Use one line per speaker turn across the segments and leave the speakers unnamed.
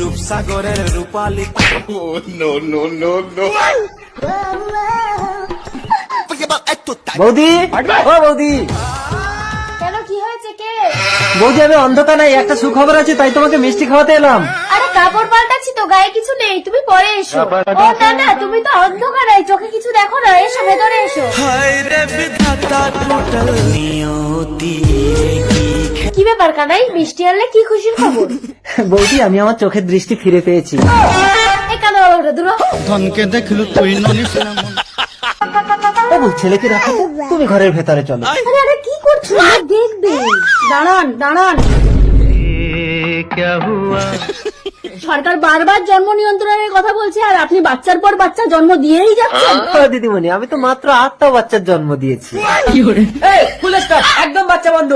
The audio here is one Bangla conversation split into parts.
রূপসাগরের রূপালী।
বৌদি, ও বৌদি,
কেন, কি হয়েছে? কে?
বৌদি আমি অন্ধকার নাই, একটা সুখবর আছে, তাই তোমাকে মিষ্টি খাওয়াতে এলাম।
আরে কাপড় পাল্টাচ্ছি তো, গায়ে কিছু নেই, তুমি পরে এসো। ও না না, তুমি তো অন্ধকার নাই, চোখে কিছু দেখো না, এসো ভেতরে এসো।
হায় রে বিধাতা টোটাল নিয়তি।
কি ব্যাপার কানাই, মিষ্টি আনলে কি খুশির খবর?
বৌদি আমি আমার চোখের দৃষ্টি ফিরে পেয়েছি।
এই কানা বাবাটা দূর হ।
ধনকে দেখলু তুই ননিস না মন।
বাবু ছেলেকে রাখো তো, তুমি ঘরের ভেতরে চলো।
আরে আরে কি করছো? দেখবে, দাঁড়ান দাঁড়ান। সরকার বারবার জন্ম নিয়ন্ত্রণের কথা বলছে, আর আপনি বাচ্চার পর বাচ্চা জন্ম দিয়েই যাচ্ছেন।
দিদিমণি আমি তো মাত্র 8টা বাচ্চার জন্ম দিয়েছি। ফুল স্টপ, একদম বাচ্চা বন্ধ।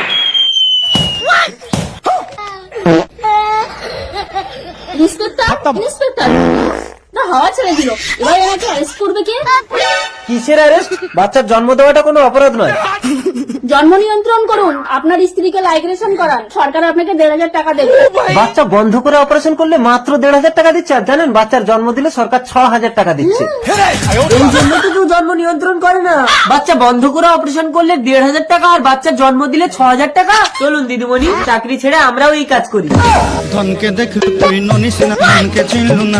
ইন্সপেক্টর, ইন্সপেক্টর, না হাওয়া ছেড়ে দিল, এবার এনাকে অ্যারেস্ট করবে কে?
কিসের অ্যারেস্ট? বাচ্চার জন্ম দেওয়াটা কোনো অপরাধ নয়।
জন্ম নিয়ন্ত্রণ করুন, আপনার স্ত্রীকে লাইগ্রেশন করান, সরকার আপনাকে 1,500 টাকা দেবে।
বাচ্চা বন্ধ করে অপারেশন করলে মাত্র 1,500 টাকা দিচ্ছে, আর জানেন বাচ্চার জন্ম দিলে সরকার 6,000 টাকা দিচ্ছে। এই জন্য তো কেউ জন্ম নিয়ন্ত্রণ করে না। বাচ্চা বন্ধ করে অপারেশন করলে 1,500 টাকা, আর বাচ্চার জন্ম দিলে 6,000 টাকা। চলুন দিদিমণি, চাকরি ছেড়ে আমরাও এই কাজ করি।
ধনকে দেখলু তুই ননিস না মনকে চিনলু না।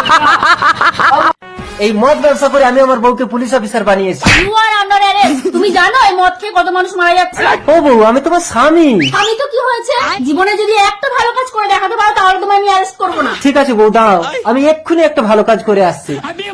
এই মদ ব্যবসা করে আমি আমার বউকে পুলিশ অফিসার বানিয়েছি।
You are under arrest. তুমি জানো এই মদ খেয়ে কত মানুষ মারা যাচ্ছে?
ও বউ, আমি তোমার স্বামী।
আমি তো কি হয়েছে, জীবনে যদি একটা ভালো কাজ করে দেখাতে পারো তাহলে তোমায় আমি অ্যারেস্ট করবো না।
ঠিক আছে বউ, দাঁড়াও, আমি এক্ষুনি একটা ভালো কাজ করে আসছি।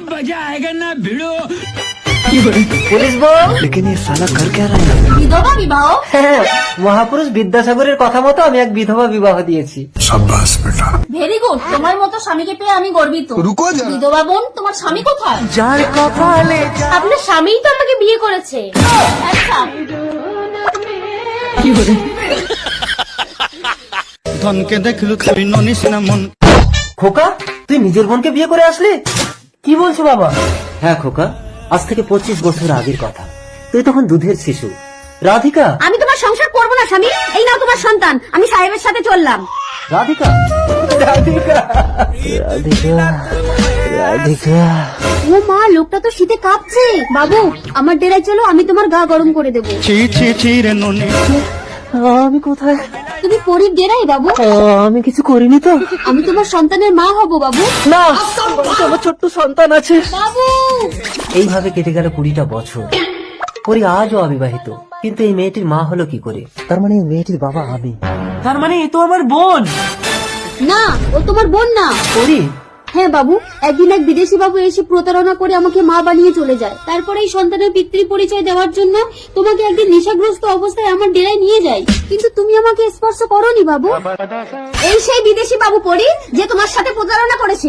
পুলিশ বউ।
বিধবা বিবাহ?
হ্যাঁ, মহাপুরুষ বিদ্যাসাগরের কথা মতো আমি এক বিধবা বিবাহ দিয়েছি।
ভেরি গুড, তোমার মতো স্বামীকে পেয়ে আমি গর্বিত। বিধবা বোন, তোমার স্বামী কোথায়?
যার কপালে
আপনার স্বামীই তো আমাকে বিয়ে করেছে। আচ্ছা,
ধনকে দেখলু তুই ননিস না মন।
খোকা, তুই নিজের বোনকে বিয়ে করে আসলি? কি বলছো বাবা? হ্যাঁ খোকা, আজ থেকে 25 বছর আগের কথা। তুই তখন দুধের শিশু। রাধিকা।
আমি তোমার সংসার করবো না স্বামী, এই নাও তোমার সন্তান, আমি সাহেবের সাথে চললাম।
রাধিকা, রাধিকা, রাধিকা, রাধিকা।
ও মা, লোকটা তো শীতে কাঁপছে। বাবু, আমার ডেরায় চলো, আমি তোমার গা গরম করে দেবো।
ছি ছি ছি রে ননি।
আমি কোথায়?
তুমি পরীর ডেরাই বাবু।
আমি কিছু করিনি তো।
আমি তোমার সন্তানের মা হব বাবু।
না, আমার ছোট্ট সন্তান আছে।
বাবু,
এইভাবে কেটে গেল 20টা বছর। পরি আজও অবিবাহিত, কিন্তু এই মেয়েটির মা হলো কি করে? তার মানে এই মেয়েটির বাবা আমি। তার মানে এ তো আমার বোন।
না, ও তোমার বোন না।
পরি,
হ্যাঁ বাবু, একদিন এক বিদেশি বাবু এসে প্রতারণা করে আমাকে মা বানিয়ে চলে যায়। তারপরে এই সন্তানের পিতৃ পরিচয় দেওয়ার জন্য তোমাকে একদিন নেশাগ্রস্ত অবস্থায় আমার ডেরায় নিয়ে যায়, কিন্তু তুমি আমাকে স্পর্শ করোনি বাবু। এই সেই বিদেশি বাবু পরি যে তোমার সাথে প্রতারণা করেছিল।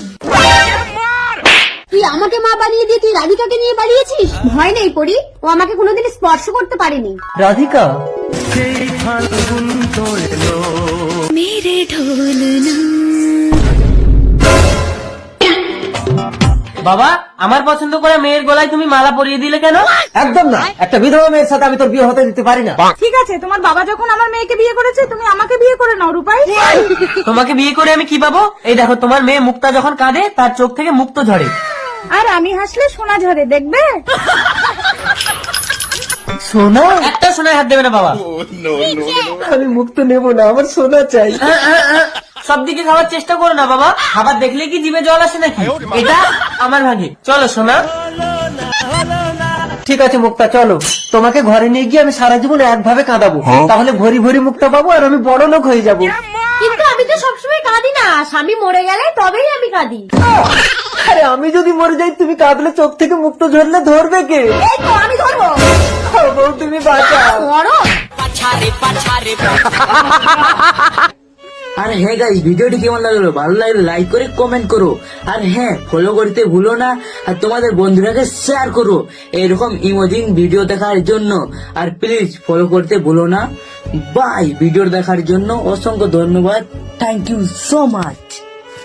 তুই আমাকে মা বানিয়ে দিয়ে তুই রাধিকাকে নিয়ে পালিয়েছিস। ভয় নেই পরি, ও আমাকে কোনোদিন স্পর্শ করতে পারেনি।
রাধিকা।
মেরে ঢোলনা।
বাবা, আমার পছন্দ করে মেয়ের গলায় তুমি মালা পরিয়ে দিলে কেন? একদম না, একটা বিধবা মেয়ের সাথে আমি তোর বিয়ে হতে দিতে পারি না।
ঠিক আছে, তোমার বাবা যখন আমার মেয়েকে বিয়ে করেছে, তুমি আমাকে বিয়ে করে নাও রূপাই।
তোমাকে বিয়ে করে আমি কি পাবো? এই দেখো, তোমার মেয়ে মুক্তা যখন কাঁদে তার চোখ থেকে মুক্ত ঝরে,
আর আমি হাসলে সোনা ঝরে, দেখবে?
সোনা? একটা সোনায় হাত দেবে না বাবা। আমি মুক্ত নেব না, আমার সোনা চাই। সব দিকে খাওয়ার চেষ্টা করো না বাবা, খাবার দেখলে কি জিভে জল আসে নাকি? এটা আমার ভাগে। চলো সোনা। ঠিক আছে মুক্তা, চলো, তোমাকে ঘরে নিয়ে গিয়ে আমি সারা জীবন একভাবে কাঁদাবো, তাহলে ভরি ভরি মুক্তা পাবো আর আমি বড় লোক হয়ে যাবো।
কিন্তু আমি তো সবসময় কাঁদি না, স্বামী মরে গেলে তবেই আমি কাঁদি।
আরে আমি যদি মরে যাই, তুমি কাঁদলে চোখ থেকে মুক্ত ঝরলে ধরবে কে?
এই তো আমি ধরবো।
বউ তুমি বাঁচাও।
মরো।
আর হ্যাঁ গাইস, ভিডিওটি কেমন লাগলো? ভালো লাগলে লাইক করে কমেন্ট করো, আর হ্যাঁ ফলো করতে ভুলো না, আর তোমাদের বন্ধুরাকে শেয়ার করো এরকম ইমোজিং ভিডিও দেখার জন্য। আর প্লিজ ফলো করতে ভুলো না। বাই। ভিডিও দেখার জন্য অসংখ্য ধন্যবাদ। Thank you so much.